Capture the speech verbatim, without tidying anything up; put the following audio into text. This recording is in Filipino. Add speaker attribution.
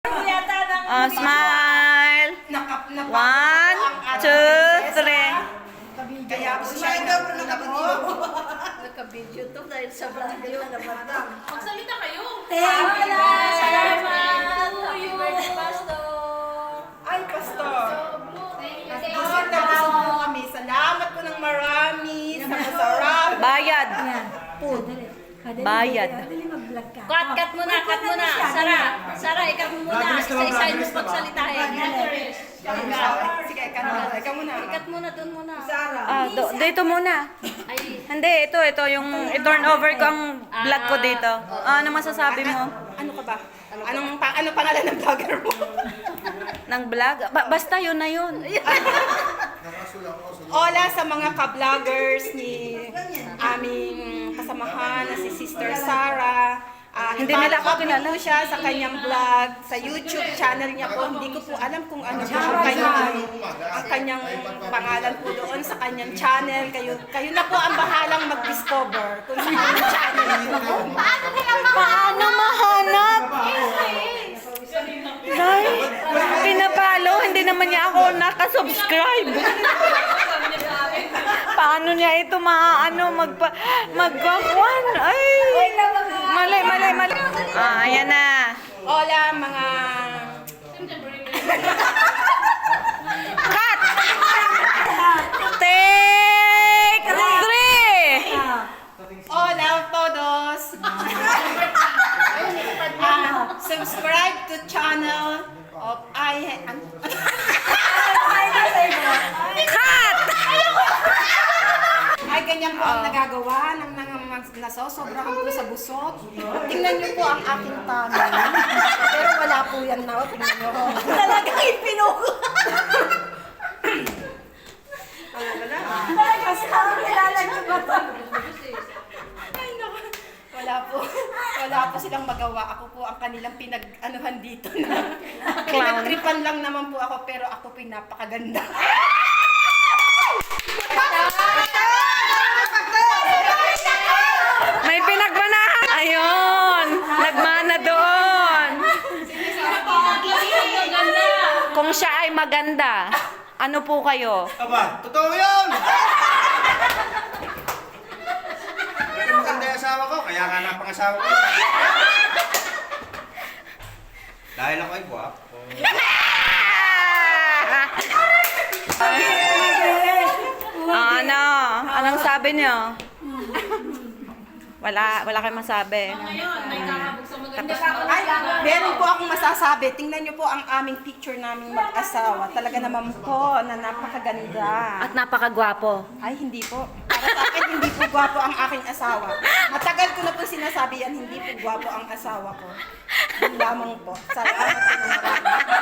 Speaker 1: Oh, smile. One, two, three.
Speaker 2: Kaya po siya ito, nakabidyo.
Speaker 3: Nakabidyo to dahil sa vlogger na naman.
Speaker 4: Magsalita kayo.
Speaker 3: Thank you.
Speaker 4: Salamat to you,
Speaker 3: Pastor.
Speaker 2: Ay, Pastor.
Speaker 4: Thank you.
Speaker 2: Busog na busog po kami. Salamat po ng marami sa masarap.
Speaker 1: Bayad.
Speaker 3: Yan. Food.
Speaker 1: Bayad.
Speaker 3: Dali mag-vlog ka.
Speaker 4: Cut, cut muna, cut muna. Sara, Sara, ikaw muna. Isa-isahin mo pagsalitain.
Speaker 2: Sige, ikaw muna. Ikaw muna.
Speaker 4: Cut muna, dun muna.
Speaker 1: Ah, do, dito muna.
Speaker 4: Ay,
Speaker 1: Hindi, ito, ito, yung i-turn over ko ang vlog ko dito. Ah, ano masasabi mo?
Speaker 2: Ano ka ba? Anong pa ano pangalan ng vlogger mo?
Speaker 1: Ng vlog? Ba- basta yun na yun.
Speaker 2: Hola sa mga ka-vloggers ni aming kasamahan na si Sister Sara. Ah,
Speaker 1: Hindi nila ako
Speaker 2: follow
Speaker 1: kilala.
Speaker 2: po siya sa kanyang vlog, sa YouTube channel niya po. Hindi ko po alam kung ano po ang kanyang, ang kanyang pangalan po doon sa kanyang channel. Kayo, kayo na po ang bahalang mag-discover kung saan ang channel niyo.
Speaker 1: Paano mahanap? Nay, pinapalo, hindi naman niya ako nakasubscribe. Paano niya ito maaano magpa magpakuan? Ay, mali, mali, mali. Ah, ayan na.
Speaker 2: Hola mga...
Speaker 1: Cut! Take three!
Speaker 2: Hola todos! Ah, subscribe to channel of I...
Speaker 1: Cut!
Speaker 2: Ay, ganyan po ang nagagawa ng nang nasosobrahan po sa busog. Tingnan niyo po ang aking tummy. Pero wala po yan na. Tingnan niyo.
Speaker 3: Talagang ipinuko.
Speaker 2: Wala, wala.
Speaker 3: Talagang sa nilalagyan ba ito?
Speaker 2: Ay, naku. Wala po. Wala po silang magawa. Ako po ang kanilang pinag-anuhan dito na. Pinagtripan lang naman po ako, pero ako po yung napakaganda.
Speaker 1: May pinagbanahan. Ayun, nagmana doon. Kung siya ay maganda, ano po kayo?
Speaker 5: Aba, totoo yun! Pero maganda yung asawa ko, kaya nga napangasawa ko. Dahil ako ay guwapo.
Speaker 1: Ah, ano? Anong sabi niyo? Wala, wala kayong masabi.
Speaker 4: ngayon, may kakabog sa maganda.
Speaker 2: Ay, meron po akong masasabi. Tingnan niyo po ang aming picture naming mag-asawa. Talaga naman po na napakaganda.
Speaker 1: At napakagwapo.
Speaker 2: Ay, hindi po. Para sa akin, hindi po gwapo ang aking asawa. Matagal ko na po sinasabi yan, hindi po gwapo ang asawa ko. Yun lamang po. Salamat po ng marami.